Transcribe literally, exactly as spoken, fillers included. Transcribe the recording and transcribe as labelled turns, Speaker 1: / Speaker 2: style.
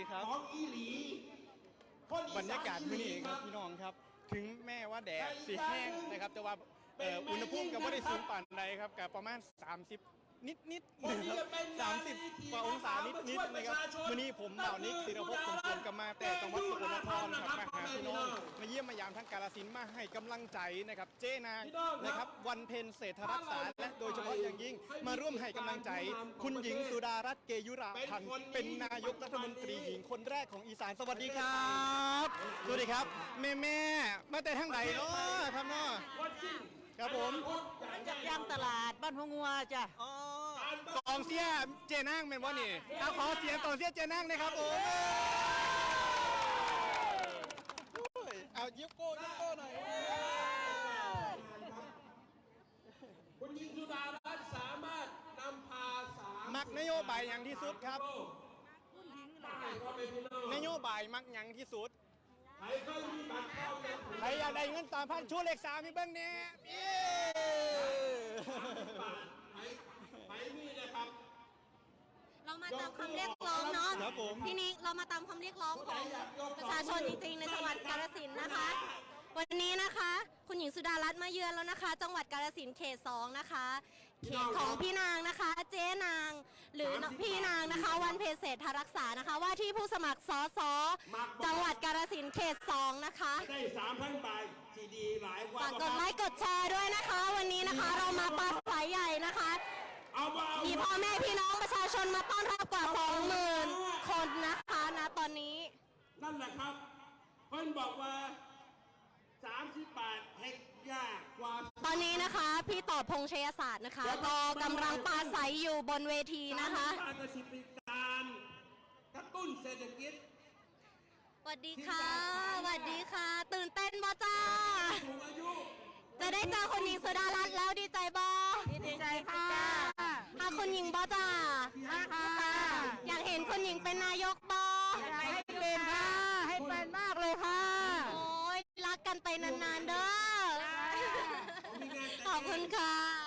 Speaker 1: ครับ
Speaker 2: ของอีหลี
Speaker 1: บรรยากาศมื้อนี้ครับพี่น้องครับถึงแม้ว่าแดดสีแห้งนะครับแต่ว่าอุณหภูมิก็ไม่ได้สูงปานใดครับกับประมาณสามสิบนิดนิดสามสิบกว่าองศานิดนิดนะครับวันนี้ผมเหล่านิกศิรภพสมควรกับมาแต่จังหวัดสกลนครครับมาหาพี่น้องมาเยี่ยมมายามทั้งกาฬสินธุ์มาให้กำลังใจนะครับเจ้นางนะครับวันเพ็ญเศรษฐรักษาและโดยเฉพาะอย่างยิ่งมาร่วมให้กำลังใจคุณหญิงสุดารัตน์เกยุราพันธ์เป็นนายกรัฐมนตรีหญิงคนแรกของอีสานสวัสดีครับสวัสดีครับแม่แม่มาแต่ทั้งไหนเนาะครับเนาะครับผม
Speaker 3: จากย่างตลาดบ้านหัวงัวจ้ะ
Speaker 1: กองเสียเจนั่งเป็นว่านี่เอาขอเสียงกองเสียเจนั่งนะครับผมเอายิบโก้ยิบโก้หน่อย
Speaker 2: คุณหญิงสุดารัตน์สามารถนำพาสาม
Speaker 1: มักนโยบายอย่างที่สุดครับนโยบายมักอย่างที่สุด
Speaker 2: ใครเคยมีบัตรเข้าเนี่ย
Speaker 1: ใครอยากได้เงินสามพันชูเลขสามพี่เบิ้งเนี่ย
Speaker 2: ไปไปนี่นะครับ
Speaker 4: เรามาตามคำเรียกร้องเนาะ
Speaker 1: ครับผม
Speaker 4: ทีนี้เรามาตามคำเรียกร้องของประชาชนจริงๆในจังหวัดกาฬสินธุ์นะคะ วันนี้นะคะคุณหญิงสุดารัตน์มาเยือนแล้วนะคะ จังหวัดกาฬสินธุ์เขตสองนะคะเขตของพี่นางนะคะ เจ๊นาง หรือพี่นางนะคะ วันเพ็ญเศรษฐรักษานะคะ ว่าที่ผู้สมัครสสจังหวัดกาฬสินธุ์เขตสองนะคะ
Speaker 2: ได้สามพันบาทซีดีหลายกว่า
Speaker 4: ฝากกดไลค์กดแชร์ด้วยนะคะ วันนี้นะคะเรามาปราศัยใหญ่นะคะ
Speaker 2: เอามาเอา
Speaker 4: มีพ่อแม่พี่น้องประชาชนมาต้อนรับกว่า สองหมื่น คนนะคะณตอนนี้
Speaker 2: นั่นแหละครับเพิ่นบอกว่าสามสิบบาทเฮ็ดยากกว่า
Speaker 4: ตอนนี้นะคะพี่ต่อพงษ์ชัยศาสตร์นะคะก็กำลังปราศัยอยู่บนเวทีนะคะ
Speaker 2: การกระสิบการกระตุ้นเศรษฐกิจ
Speaker 4: สวัสดีค่ะสวัสดีค่ะ ตื่นเต้นบ่จ้า
Speaker 2: สูงอายุ
Speaker 4: จะได้เจอคุณหญิงสุดารัตน์แล้วดีใจบ่
Speaker 3: ดีใจค่ะ
Speaker 4: ถ้าคุณหญิงบ่จ้า
Speaker 3: ค่ะ
Speaker 4: อยากเห็นคุณหญิงเป็นนายกบ่
Speaker 3: ให้เป็นค่ะ ให้เป็นมากเลยค่ะ
Speaker 4: โอ้ยรักกันไปนานๆเด้อขอบคุณค่ะ